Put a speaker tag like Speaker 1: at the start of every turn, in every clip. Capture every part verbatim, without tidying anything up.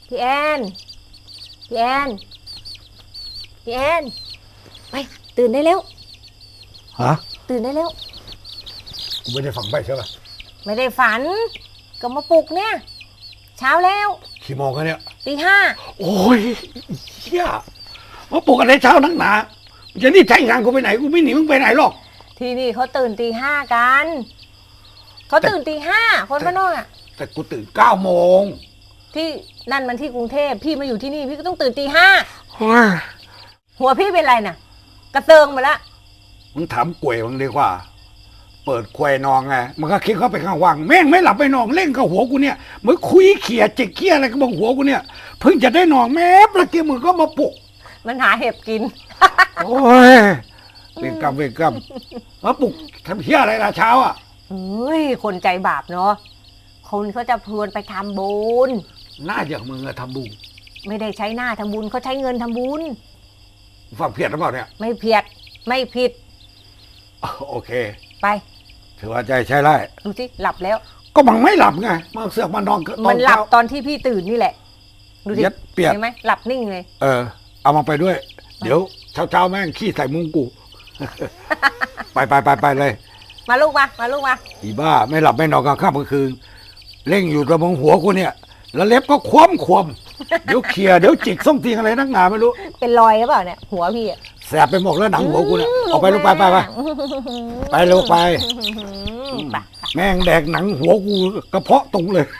Speaker 1: พี่แอนพี่แอนพี่แอนไปตื่นได้แล้ว
Speaker 2: ฮะ
Speaker 1: ตื่นได้แล้ว
Speaker 2: กูไม่ได้ฝังไปใช่ป่ะ
Speaker 1: ไม่ได้ฝันก็มาปลุกเนี่ยเช้าแล้ว
Speaker 2: กี่โมงกันเนี่ย
Speaker 1: ตีห้า
Speaker 2: โอ้ยเฮียมาปลุกอะไรเช้านักหนาจะนี่ใช้งานกูไปไหนกูไม่หนีมึงไปไหนหรอก
Speaker 1: ที่นี่เขาตื่นตีห้ากันเขาตื่นตีห้าคนบ้านนอกอ่ะ
Speaker 2: แต่กูตื่นเก้าโมง
Speaker 1: ที่นั่นมันที่กรุงเทพพี่มาอยู่ที่นี่พี่ก็ต้องตื่นตีห้าหัวพี่เป็นไรน่ะกระเติงมาละ
Speaker 2: มึงถามกวยมึงดีกว่าเปิดควยนองไงมันก็คิดเข้าไปข้างว่างแม่งไม่หลับไปนองเล่นกับหัวกูเนี่ยมึงคุยเขี่ยจิกเขี่ยอะไรก็บอกหัวกูเนี่ยเพิ่งจะได้นอนแม่ประเกียมึงก็มาปลุก
Speaker 1: มันหาเห็บกิน
Speaker 2: โอ้ยเวรกรรมเวรกรรมมาปลุกทำเหี้ยอะไรล่ะเช้าอ่ะ
Speaker 1: เฮ้ยคนใจบาปเนาะคนเขาจะพวนไปทำบุญ
Speaker 2: หน้าอย่างมึงอะทำบุญ
Speaker 1: ไม่ได้ใช้หน้าทำบุญเขาใช้เงินทำบุญ
Speaker 2: ฟังเพี้ยนหรือเปล่าเนี่ย
Speaker 1: ไม่เพี้ยนไม่ผิด
Speaker 2: โอเค
Speaker 1: ไป
Speaker 2: ถือว่าใจใช่ได้
Speaker 1: ดูสิหลับแล้ว
Speaker 2: ก็มันไม่หลับไงมันเสือกมันนอน
Speaker 1: มันหลับตอนที่พี่ตื่นนี่แหละดูสิ
Speaker 2: เปียก
Speaker 1: เห็นไหมหลับนิ่งเลย
Speaker 2: เออเอามาไปด้วยเดี๋ยวเช้าเช้าแม่งขี้ใส่มุ้งกูไปไปไปไปเลย
Speaker 1: มาลูกมามาลูกมา
Speaker 2: อีบ้าไม่หลับไม่นอนกลางค่ำกลางคืนเร่งอยู่ตะมงหัวกูเนี่ยแล้วเล็บก็คว่ำคว่ำเดี๋ยวเขี่ยเดี๋ยวจิกส้มตีอะไรนักหนาไม่รู้
Speaker 1: เป็นรอยหรือเปล่าเนี่ยหัวพี่อะ
Speaker 2: แสบไปหมดแล้วหนังหัวกูเนี่ยออกไปลูกไปไปไปไปลูกไปแม่งแดกหนังหัวกูกระเพาะตรงเลย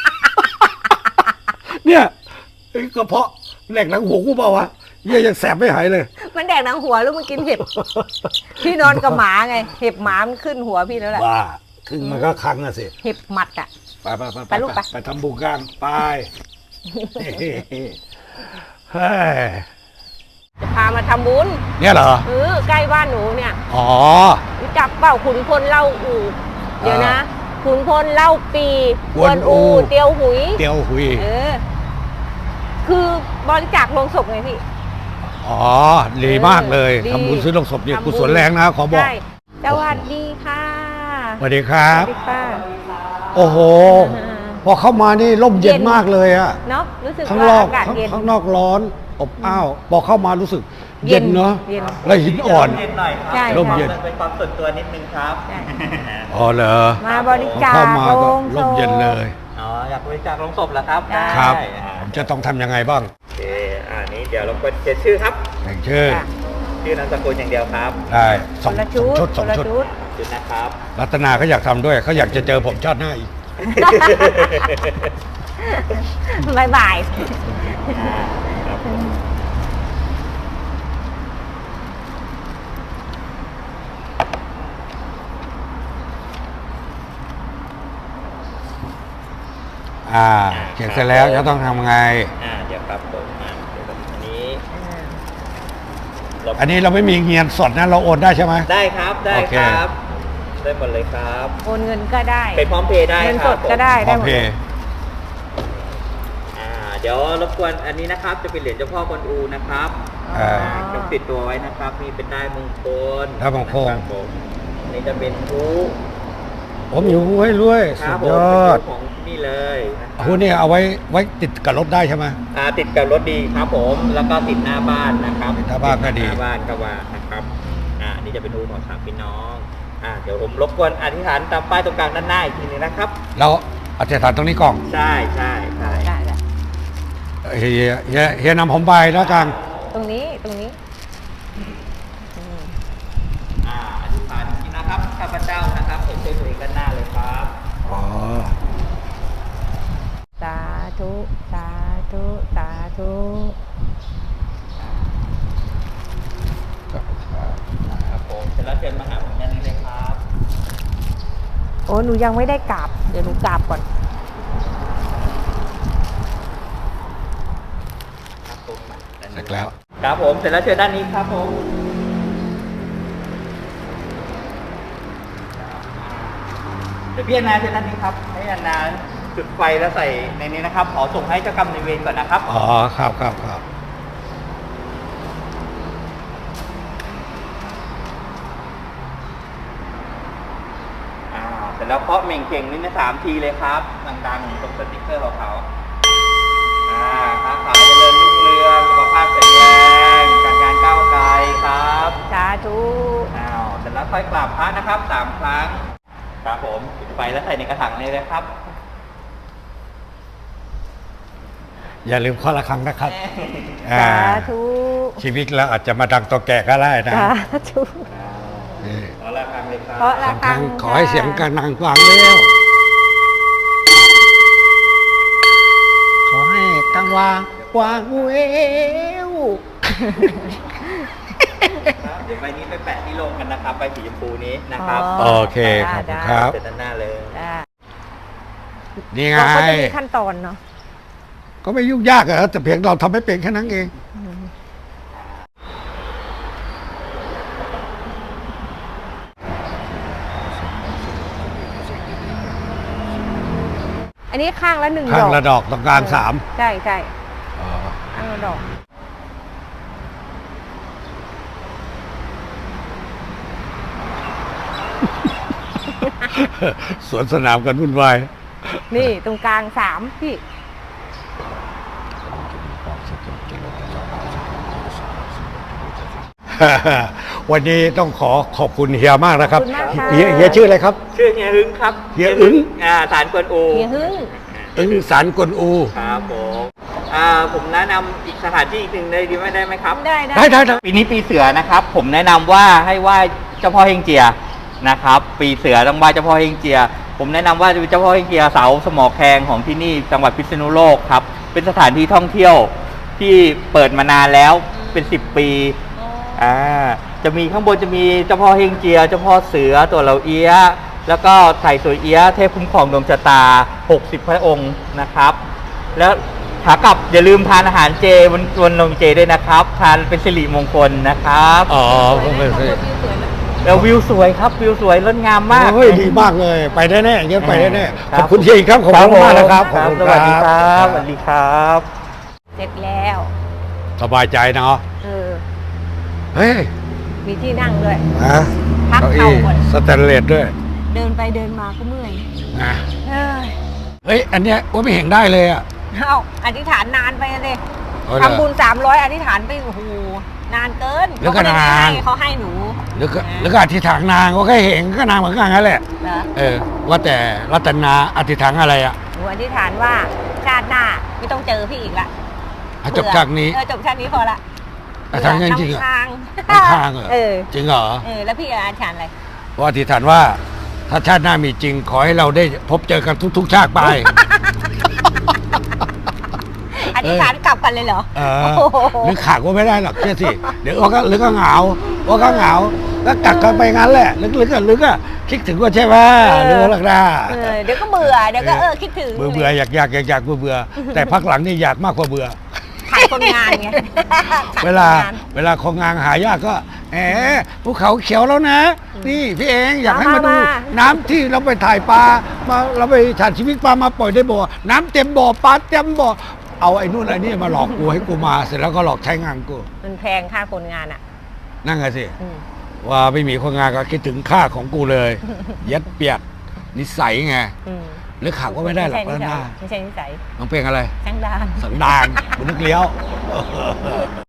Speaker 2: เนี่ยกระเพาะแดกหนังหัวกูเปล่าวะเยี่ยยังแสบไม่หายเลย
Speaker 1: มันแดกหนังหัวลูกมันกินเห็บพี่นอนกับหมาไงเห็บหมามันขึ้นหัวพี่แล้วแหละ
Speaker 2: บ้าขึ้นมันก็คังอะสิ
Speaker 1: เห็บหมัดอะ
Speaker 2: ไปไปไปไปลูกไปไปทำบุญกันไปเฮ้ย
Speaker 1: จะพามาทำบุญ
Speaker 2: เนี่ยเหรอ
Speaker 1: เออใกล้บ้านหนูเนี่ย
Speaker 2: อ๋อ
Speaker 1: รู้จักเปล่าขุนพลเล่าอู่เดี๋ยวนะขุนพลเล่าปีกวนอูเตียวหุย
Speaker 2: เตียวหุย
Speaker 1: เออคือบริจาคโลงศพไงพี่
Speaker 2: อ๋อดีมากเลยทำบุญซื้อโลงศพเนี่ยกุศลแรงนะขอบอก
Speaker 1: สวัสดีค่ะ
Speaker 2: สวัสดีครับ
Speaker 1: สวัสดีค่ะ
Speaker 2: โอ้โหพอเข้ามานี่ร่มเย็นมากเลยอะ
Speaker 1: เนาะรู้สึก
Speaker 2: ข้างนอกข้างนอกร้อนอบอ้าวพอเข้ามารู้สึกเย็นเนาะแล้วหินอ่อนร่มเย็น
Speaker 3: เป็นความส่วนตัวนิดนึงครับ
Speaker 2: อ๋อเหรอ
Speaker 1: มาบริจาค
Speaker 2: เข้ามาก็ร่มเย็นเลย
Speaker 3: อ๋ออยากบริจาคลงศพเหรอครับ
Speaker 2: ครับผมจะต้องทำยังไงบ้าง
Speaker 3: โอเคอ่านี้เดี๋ยวเราก็เขียนชื่อครับ
Speaker 2: เขียนชื่อ
Speaker 3: ชื่อนามสกุลอย่างเดียวครับ
Speaker 2: ได้สองชุดสองชุด
Speaker 3: ชุดนะครับ
Speaker 2: รัตนาเขาอยากทำด้วยเขาอยากจะเจอผมชาติหน้าอีก
Speaker 1: บายบาย
Speaker 2: อ่าเขียนเสร็จแล้วจะต้องทำไง
Speaker 3: อ่าเดี๋ยวครับผมอ่าเดี๋ยวอันนี้
Speaker 2: อันนี้เราไม่มีเงินสดนะเราโอนได้ใช่ไหม
Speaker 3: ได้ครับได้ครับได้หมดเลยครับ
Speaker 1: โอนเงินก็ได้
Speaker 3: ไปพร้อมเพย์ได้
Speaker 1: เงินสดก็ได้
Speaker 2: พร้อมเพย์
Speaker 3: อ่าเดี๋ยวรบกวนอันนี้นะครับจะเป็นเหรียญเจ้าพ่อกวนอูนะครับอ่าต้องติดตัวไว้นะครับมีเป็นได้มงคล
Speaker 2: ได้มงคล
Speaker 3: อันนี้จะเป็นฮู
Speaker 2: ผมอยู่ให้รวยสุดยอด
Speaker 3: ของนี่เลย
Speaker 2: ฮูนี่เอาไว้ไว้ติดกับรถได้ใช่ไหม
Speaker 3: อ่าติดกับรถดีครับผมแล้วก็ติดหน้าบ้านนะครับ
Speaker 2: หน้าบ้านก็ดี
Speaker 3: หน้าบ้านก็ว่านะครับอ่านี่จะเป็นฮูของสามพี่น้องอ่าเดี๋ยวผมรบกวนอธิษฐานตามป้ายตรงกลางด้านหน้าอีกทีนึงนะครับ
Speaker 2: เราอธิษฐานตรงนี้ก่อน
Speaker 3: ใช่ใช่ใช่
Speaker 2: เฮียเฮียเฮียนำผมไปแล้วกัน
Speaker 1: ตรงนี้ตรงนี้
Speaker 3: อ่าอธิษฐานนี้นะครับข้าพเจ้านะครับเห็นตัวเองด้านหน้าเลยครับ
Speaker 2: อ๋อ
Speaker 1: สาธุสาธุสาธุ
Speaker 3: ครับผมเสร็จแล้วเชิญมาหาผมด้านนี้เลยครับ
Speaker 1: โอ้หนูยังไม่ได้กราบเดี๋ยวหนูกราบก่อน
Speaker 3: ครับผม
Speaker 2: เสร็จแล้ว
Speaker 3: ครับผมเสร็จแล้วเชิญด้านนี้ครับผมเดี๋ยวพี่นาเชิญด้านนี้ครับให้นาจุดไฟแล้วใส่ในนี้นะครับขอส่งให้เจ้ากรรมนายเวรก่อนนะครับ
Speaker 2: อ๋อครับครับครับ
Speaker 3: เสร็จแล้วเคาะเม่งเก่งนี่นะสามทีเลยครับดังๆตรงสติ๊กเกอร์ของเขาอ่าค่อยๆกราบพระนะครับสามครั้งครับผมจุดไฟแล้วใส่ในกระถางนี้เลยครับ
Speaker 2: อย่าลืมข้อละครั้งนะครับ
Speaker 1: สา
Speaker 2: อ่า
Speaker 1: ธุ
Speaker 2: ชีวิตเราอาจจะมาดังตัวแก่ก็ได้นะ
Speaker 1: สาธุ
Speaker 2: นี่
Speaker 3: ขอละครั้งเลยครับ
Speaker 1: เพราะละ
Speaker 2: สาม
Speaker 1: ค
Speaker 2: ค
Speaker 1: รั้
Speaker 2: รั้
Speaker 1: ง
Speaker 2: งขอให้เสียงกันดังฟังเร็วขอให้กังวางวางเวว
Speaker 3: ครับเดี๋ยวใบนี้ไปแปะที่โรงกันนะครับใบสีชมพูนี้นะครับ
Speaker 2: โอเคขอบคุณครับ
Speaker 3: เสร็จด้านหน้าเลย
Speaker 1: ได้
Speaker 2: นี่ไง
Speaker 1: เราก็จะมีขั้นตอนเนาะ
Speaker 2: ก็ไม่ยุ่งยากอะแต่เพียงเราทำให้เป็นแค่นั้นเอง
Speaker 1: อันนี้ข้างละหนึ่ง
Speaker 2: ข้าง
Speaker 1: ดอก
Speaker 2: ละดอกตรงกลางสาม
Speaker 1: ใช่ใช่
Speaker 2: อ๋อ
Speaker 1: ข้างละดอก
Speaker 2: สวนสนามกันวุ่นวาย
Speaker 1: นี่ตรงกลางสามพี่
Speaker 2: วันนี้ต้องขอขอบคุณเฮียมากนะครับ
Speaker 1: ขอบคุณมากค่ะ
Speaker 2: เฮียเฮียชื่ออะไรครับ
Speaker 3: ชื่อเฮียหึงครับ
Speaker 2: เฮียอึ้ง
Speaker 3: อ่าสารกวนอู
Speaker 1: เฮียหึ้ง
Speaker 2: อึ้งสารกวนอู
Speaker 3: ครับผมอ่าผมแนะนำอีกสถานที่อีกหนึ่งเลยดีไหมได้ไหมครับ
Speaker 1: ได้ได้
Speaker 2: ได้ได้ได้
Speaker 3: ปีนี้ปีเสือนะครับ ผมแนะนำว่าให้ไหว้เจ้าพ่อเฮงเจียนะครับ ปีเสือต้องไหว้เจ้าพ่อเฮงเจีย ผมแนะนำว่าเจ้าพ่อเฮงเจียเสาสมอแคงของที่นี่จังหวัดพิษณุโลกครับ เป็นสถานที่ท่องเที่ยวที่เปิดมานานแล้วเป็นสิบปีอ่าจะมีข้างบนจะมีเจ้าพ่อเฮงเจีย เจ้าพ่อเสือตัวเหลาเอี้ยะแล้วก็ไถ่สวยเอี้ยะเทพคุ้มครองดวงชะตาหกสิบพระองค์นะครับ แล้วขากลับอย่าลืมทานอาหารเจวันวันนมเจด้วยนะครับ ทานเป็นสิริมงคลนะครับ
Speaker 2: อ๋อก็ไม่ใช่
Speaker 3: แล้ววิวสวยครับวิวสวยงดงามมาก
Speaker 2: โอ้ยดีมากเลย ไปแน่แน่ๆเงี้ยไปแน่แน่ๆ
Speaker 3: ครั
Speaker 2: ขอบคุณเฮียอีกครับขอบคุณมากนะครับขอบคุณ
Speaker 3: สวัสดีครับสวัสดีครับ
Speaker 1: เสร็จแล้ว
Speaker 2: สบายใจเนาะ
Speaker 1: เออ
Speaker 2: เฮ้ย
Speaker 1: มีที่นั่งด้วย
Speaker 2: นะ
Speaker 1: พัก
Speaker 2: เก้า
Speaker 1: เข่า
Speaker 2: อี้
Speaker 1: ก่อน
Speaker 2: สแตนเลสด้วย
Speaker 1: เดินไปเดินมาก็เมื่อย
Speaker 2: นะ
Speaker 1: เอ้ย
Speaker 2: เฮ้ยอันเนี้ยว่าไม่เห็นได้เลยอ่ะ
Speaker 1: เอาอธิษฐานนานไปเลย
Speaker 2: เอาเหรอ
Speaker 1: ทำบุญสามร้อยอธิษฐานไปโอ้โหนานเกิน
Speaker 2: แล้วก็
Speaker 1: เขไม่ได้
Speaker 2: นาน
Speaker 1: ให้เขาให้หนู
Speaker 2: แล้วก็แล้วก็อธิษฐานนางก็แค่เห็นก็นางเหมือนกันนั่นแหละ
Speaker 1: เหรอ
Speaker 2: เออว่าแต่รัตนาอธิษฐานอะไรอ่ะ
Speaker 1: หนูอธิษฐานว่าชาติหน้าไม่ต้องเจอพี่อีกละ
Speaker 2: อ่ะจบจากนี้
Speaker 1: เออจบชาตินี้พอละ
Speaker 2: แต่ทางนั้นจริงเหรอ
Speaker 1: ทาง
Speaker 2: ข้างๆเหรอ
Speaker 1: เออ
Speaker 2: จริงเหรอ
Speaker 1: เออแล้วพี่อธิษฐานอะไร
Speaker 2: ว่าอธิษฐานว่าถ้าชาติหน้ามีจริง ขอให้เราได้พบเจอกันทุก ๆ ชาติไป
Speaker 1: อธิษฐานกลับกันเลยเหรอ
Speaker 2: เออ
Speaker 1: โอ้โห
Speaker 2: หรือขาดก็ไม่ได้หรอกเชื่อสิ เดี๋ยวว่าก็หรือก็เหงาว่าก็เหงาแล้วกักกันไปงั้นแหละ ลึกๆก็ลึกอะคิดถึงก็ใช่ไหมหรือว่าลักดา
Speaker 1: เออเดี๋ยวก็เบื่อเดี๋ยวก็เออคิดถึง
Speaker 2: เบื่อเบื่ออยากอยากอยากอยากเบื่อเบื่อแต่พักหลังนี่อยากมากกว่าเบื่อ
Speaker 1: ขาดคนงานไงขด
Speaker 2: เวลา
Speaker 1: คนงน
Speaker 2: เวลาคนงานหายากก็แหมภูเขาเขียวแล้วนะ นี่พี่เองอยากให้มาดู
Speaker 1: มามา
Speaker 2: น้ำที่เราไปถ่ายปลามาเราไปถ่ายชีวิตปลามาปล่อยในบ่อน้ำเต็มบ่อปลาเต็มบ่อเอาไอ้นู่นไอ้นี่มาหลอกกูให้กูมาเสร็จแล้วก็หลอกใช้งานกู
Speaker 1: มันแพงค่าคนงานอ่ะ
Speaker 2: นั่นไงสิ
Speaker 1: อืม
Speaker 2: ว่าไม่มีคนงานก็คิดถึงค่าของกูเลย ยัดเปียกนิสัยไง
Speaker 1: อืม
Speaker 2: หรือขาดก็ไม่ได้หรอก
Speaker 1: ไม่
Speaker 2: แล้ว
Speaker 1: ใช่
Speaker 2: หน้า
Speaker 1: ไม่ใช่นิสัย
Speaker 2: น้องเพลงอะไร
Speaker 1: ช่างดาน
Speaker 2: สันดานบุนึกเลี้ยว